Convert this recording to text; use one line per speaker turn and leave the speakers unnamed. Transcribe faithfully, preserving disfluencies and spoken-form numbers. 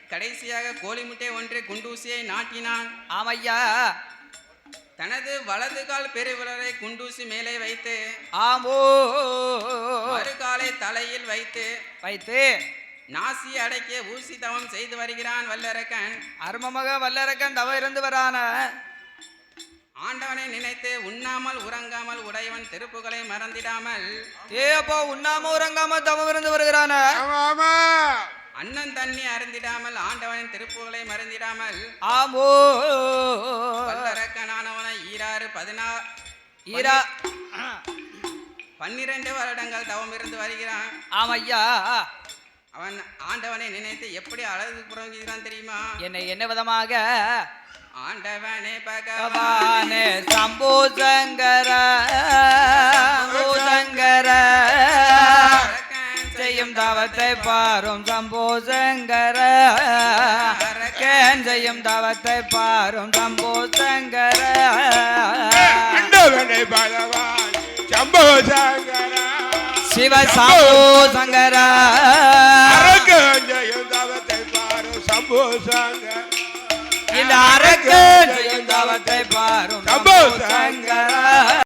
கடைசியாக கோழி முட்டை ஒன்றை குண்டூசியை நாட்டினான்.
ஆமையா.
தனது வலது கால் பெருவிரலை குண்டூசி மேலே வைத்து
ஆமோ
மறுகாலை தலையில் வைத்து
வைத்து
நாசி அடக்கிய ஊசி தவம் செய்து வருகிறான் வல்லரக்கன்.
அருமமக வல்லரக்கன் தவ இருந்து வரான
ஆண்டவனை நினைத்து உண்ணாமல் உறங்காமல் உடையவன் திருப்புகளை மறந்திடாமல்
ஏ அப்போ உண்ணாம உறங்காம தவம் இருந்து வருகிறான.
அண்ணன் தண்ணி அருந்திடாமல் ஆண்டவனின் திருப்புகளை மறந்திடாமல்
ஆமோ
வல்லரக்கனானவனை ஈராறு பதினாறு
ஈரா
பன்னிரண்டு வருடங்கள் தவம் இருந்து வருகிறான்.
ஆமையா.
அவன் ஆண்டவனை நினைத்து எப்படி அழகு புறங்குகிறான் தெரியுமா?
என்னை என்ன விதமாக?
ஆண்டவனே
பகவானே சம்போ சங்கர சங்கர செய்யும் தவத்தை பாரும் சம்போ சங்கர செய்யும் தவத்தை பாரும் சம்போ சங்கர
ஆண்டவனே பகவான் சம்போ சங்கர
சிவ சம்போ சங்கர
செய்யும் தவத்தை பாரும் சம்போ சங்கர
இந்த அரக்கு செய்யும் தவத்தை பாரும் சம்போ சங்கர.